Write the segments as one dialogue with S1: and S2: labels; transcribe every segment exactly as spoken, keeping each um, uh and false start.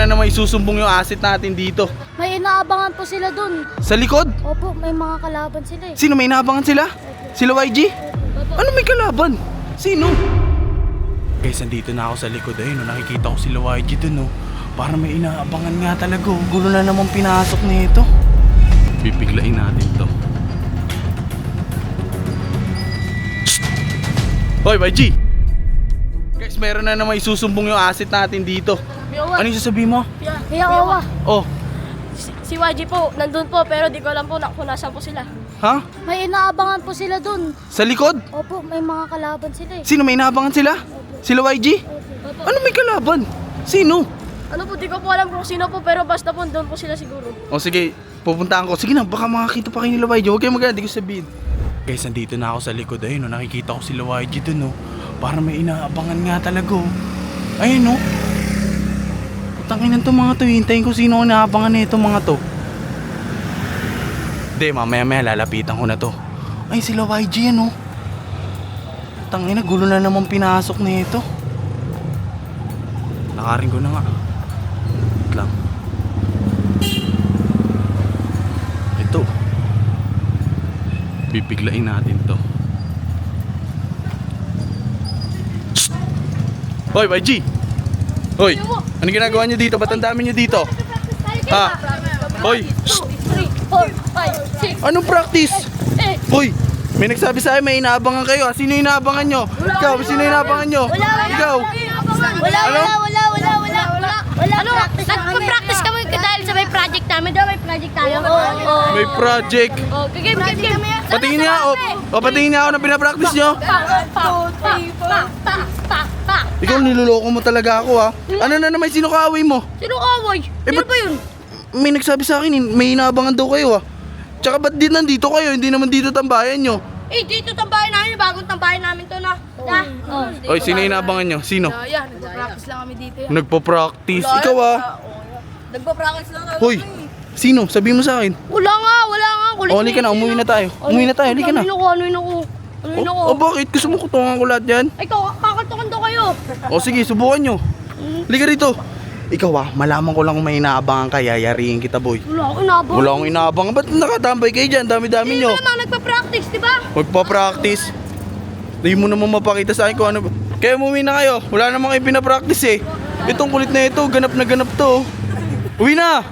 S1: naman isusumbong yung asset natin dito.
S2: May inaabangan po sila dun.
S1: Sa likod?
S2: Opo, may mga kalaban sila eh.
S1: Sino may inaabangan sila? Sila Y G? Ano may kalaban? Sino? Guys, nandito na ako sa likod. Ayun, no, nakikita ko sila Y G dun, no. Para may inaabangan nga talaga. Oh. Gulo na naman pinasok nito. Pipiglain natin to. Shhh! Hoy, Y G! Guys, meron na naman isusumbong yung asset natin dito. Ano yung sasabihin mo?
S2: Yawa.
S1: Oh,
S3: Si, si Y G po, nandun po, pero di ko alam po na kung nasaan po sila.
S1: ha?
S2: May inaabangan po sila dun.
S1: Sa likod?
S2: Opo, may mga kalaban sila eh.
S1: Sino may inaabangan sila? Sila Y G?
S3: Opo.
S1: Ano may kalaban? Sino?
S3: Ano po, di ko po alam kung sino po, pero basta po doon po sila siguro.
S1: O sige, pupuntahan ko. Sige na, baka makakita pa kayo nila Y G. Huwag kayong magana, di ko sabihin. Guys, nandito na ako sa likod. Ayun, no, nakikita ko sila Y G dun, no. Para may inaabangan nga talaga, oh. Ayun, no. Putanginan to mga to. Hintayin ko sino ang inaabangan na itong mga to. Hindi, mamaya maya lalapitan ko na to. Ay, sila Y G yan, oh. Tangina, gulo na naman pinasok na ito. Nakarin ko na nga. Wait lang. Ito. Bibiglain natin to. Shhh! Hoy, Y G! Hoy! Ano ginagawa nyo dito? Ba't ang dami nyo dito? Ha? Hoy! Shhh!
S3: three, four, five, six,
S1: Anong practice?
S3: eight.
S1: Hoy! May nagsabi sa akin may inaabangan kayo. Sino yung inaabangan nyo? Ikaw, sino yung inaabangan nyo? Ikaw!
S2: Wala,
S1: Ano?
S2: wala, wala, wala, wala, wala. Wala,
S3: Ano?
S2: practice na kami.
S3: Nagpa-practice kami dahil sa may project namin. Daw may project tayo. Oo.
S1: May project.
S3: Oh, game, game, game.
S1: Patingin niya o, o patingin niya ako na pinapractice nyo.
S3: Pa, pa, pa, pa, pa, pa, pa.
S1: Ikaw niloloko mo talaga ako, ha. Ano na naman sino kaaway mo?
S3: Sino kaway?
S1: Eh,
S3: Sino
S1: ba't-
S3: ba yun?
S1: May nagsabi sa akin, may inaabangan daw kayo, ha. Tsaka ba't di nandito kayo? Hindi naman dito tambayan nyo.
S3: Eh, dito tambayan namin. Bagong tambayan namin to na. Na. Oh.
S1: Oy, sino yung inaabangan nyo? Sino?
S3: Yan, nagpa-practice lang kami dito. Yan.
S1: Nagpo-practice. Ikaw, ha.
S3: Nagpa-practice lang kami.
S1: Hoy, sino? Sabihin mo sa akin.
S3: Wala nga, wala nga. Kulit
S1: O, halika na, umuwi na tayo. Umuwi na tayo, halika na.
S3: Ano ako, ano ako? Ano ako?
S1: O, bakit? Gusto mo kutungan ko lahat yan?
S3: Ay, kakaltukan daw kayo.
S1: O, sige, subukan nyo. Halika rito. Ikaw, ha, malaman ko lang kung may inaabangan ka, yayariin kita, boy.
S3: Wala akong nabang.
S1: Wala akong inaabangan. Ba't nakatambay kayo dyan? Dami-dami
S3: Hindi
S1: nyo.
S3: mo naman nagpa-practice, di ba?
S1: Magpa-practice. Hindi mo naman mapakita sa akin kung ano. Kaya umuwi na kayo. Wala naman kayo pinapractice eh. Itong kulit na ito, ganap na ganap to. Uwi na!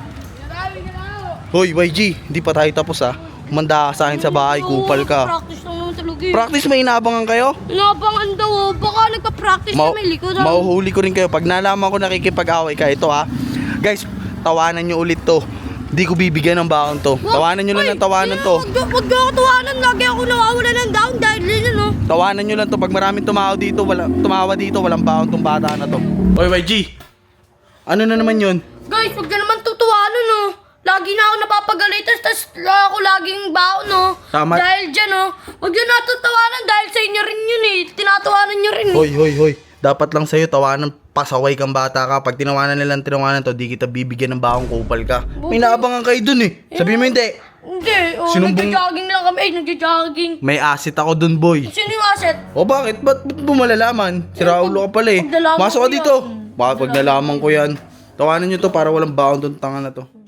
S1: Hoy, Y G, hindi pa tayo tapos ha. Umanda ka sa akin sa bahay, kupal ka.
S3: Practice lang naman talaga eh.
S1: Practice, may inaabangan kayo?
S3: Inabangan daw, oh. Baka nagpa-practice
S1: Ma-
S3: na may likod. ah.
S1: Mauhuli ko rin kayo. Pag nalaman ko nakikipag-away ka, ito ha. Guys, tawanan nyo ulit to. Hindi ko bibigyan ng baon to.
S3: Wag-
S1: Tawanan nyo lang
S3: Uy,
S1: ng tawanan to.
S3: Wag daw- wag daw ako tawanan. Lagi ako nawawala ng down dahil din ano.
S1: Tawanan nyo lang to. Pag maraming tumawa dito, wala, tumawa dito, walang baon tong bata na to. Hoy, Y G. Ano na naman yun?
S3: Guys, wag na naman tutuwanan no. Lagi na ako napapagalitan, tas ako laging baon no.
S1: Tama.
S3: Dahil dyan no. Wag yun natutawanan dahil sa inyo rin yun eh. Tinatawanan nyo rin eh.
S1: Hoy, hoy, hoy. Dapat lang sa'yo tawanan, pasaway kang bata ka. Pag tinawanan nilang tinawanan to, di kita bibigyan ng baong kupal ka. May naabangan kayo dun eh. Sabihin mo hindi.
S3: Hindi, oh,
S1: Sinumbong-
S3: nagja-jogging lang kami. Eh, nagja-jogging.
S1: May asset ako dun, boy.
S3: Sino yung asset?
S1: O bakit? Ba't ba't mo malalaman? Si Raulo ka pala eh.
S3: pag nalaman
S1: Masok
S3: ko
S1: ka dito.
S3: yan.
S1: Baka pag nalaman ko yan. Tawanan nyo to para walang baon tong tanga na to.